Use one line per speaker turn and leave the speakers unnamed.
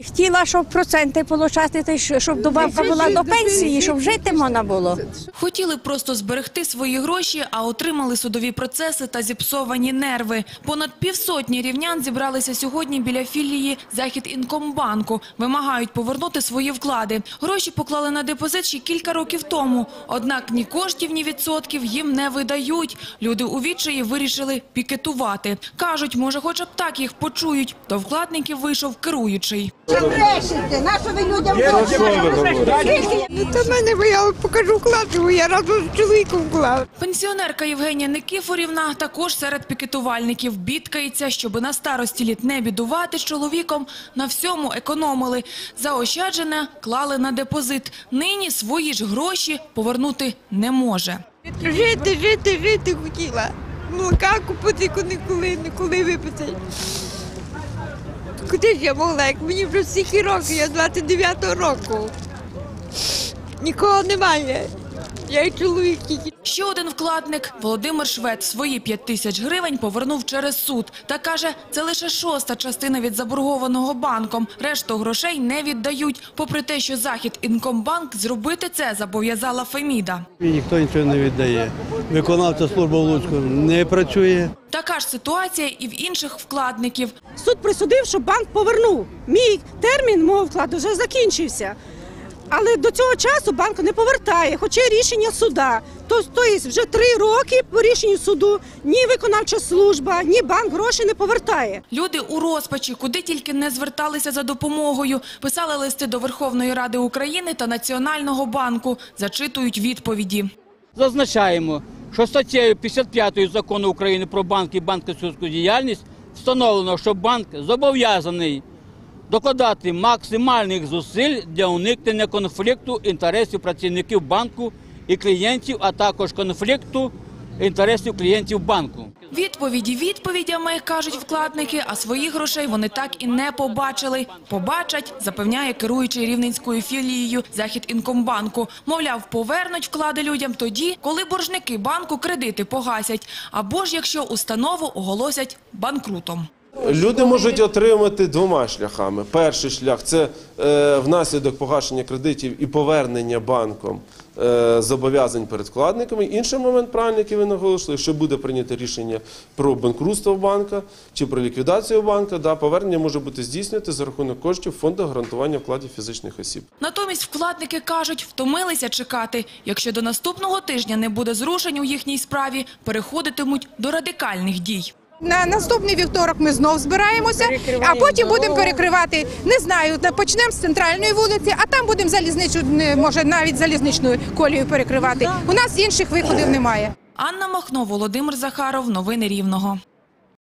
Хотіла, щоб проценти отримати, щоб добавка була до пенсії, щоб жити можна було.
Хотіли просто зберегти свої гроші, а отримали судові процеси та зіпсовані нерви. Понад півсотні рівнян зібралися сьогодні біля філії Західінкомбанку. Вимагають повернути свої вклади. Гроші поклали на депозит ще кілька років тому. Однак ні коштів, ні відсотків їм не видають. Люди у відчаї вирішили пікетувати. Кажуть, може хоч б так їх почують. До вкладників вийшов керуючий.
Що брешете? На що ви людям говорите?
Та мене, я покажу вклад, я разом з чоловіком вклав.
Пенсіонерка Євгенія Никифорівна також серед пікетувальників бідкається, щоби на старості літ не бідувати з чоловіком, на всьому економили. Заощаджене клали на депозит. Нині свої ж гроші повернути не може.
Жити хотіла. Молока купити ніколи випити. Куди ж я могла, як мені вже стільки років, я 29-го року. Нікого немає. Я і чоловік тільки.
Ще один вкладник, Володимир Швед, свої 5 тисяч гривень повернув через суд. Та каже, це лише 1/6 частина від заборгованого банком. Решту грошей не віддають. Попри те, що Західінкомбанк зробити це зобов'язала Феміда.
Ніхто нічого не віддає. Виконавча служба в Луцьку не працює.
Така ж ситуація і в інших вкладників.
Суд присудив, що банк повернув. Мій термін мого вкладу вже закінчився. Але до цього часу банк не повертає, хоча рішення суда. Тобто вже 3 роки по рішенню суду ні виконавча служба, ні банк гроші не повертає.
Люди у розпачі, куди тільки не зверталися за допомогою. Писали листи до Верховної Ради України та Національного банку. Зачитують відповіді.
Зазначаємо, що статтею 55 Закону України про банки і банківську діяльність встановлено, що банк зобов'язаний докладати максимальних зусиль для уникнення конфлікту інтересів працівників банку і клієнтів, а також конфлікту інтересів клієнтів банку.
Відповіді відповідями, кажуть вкладники, а своїх грошей вони так і не побачили. Побачать, запевняє керуючий рівненською філією Західінкомбанку. Мовляв, повернуть вклади людям тоді, коли боржники банку кредити погасять, або ж якщо установу оголосять банкрутом.
Люди можуть отримати 2 шляхами. Перший шлях – це внаслідок погашення кредитів і повернення банком зобов'язань перед вкладниками. Інший момент, правильно, який ви наголосили, що буде прийнято рішення про банкрутство банка чи про ліквідацію банка, повернення може бути здійснювати за рахунок коштів Фонду гарантування вкладів фізичних осіб.
Натомість вкладники кажуть, втомилися чекати. Якщо до наступного тижня не буде зрушень у їхній справі, переходитимуть до радикальних дій.
На наступний вівторок ми знов збираємося, а потім будемо перекривати, не знаю, почнемо з центральної вулиці, а там будемо може навіть залізничну колію перекривати. У нас інших виходів немає.
Анна Махно, Володимир Захаров. Новини Рівного.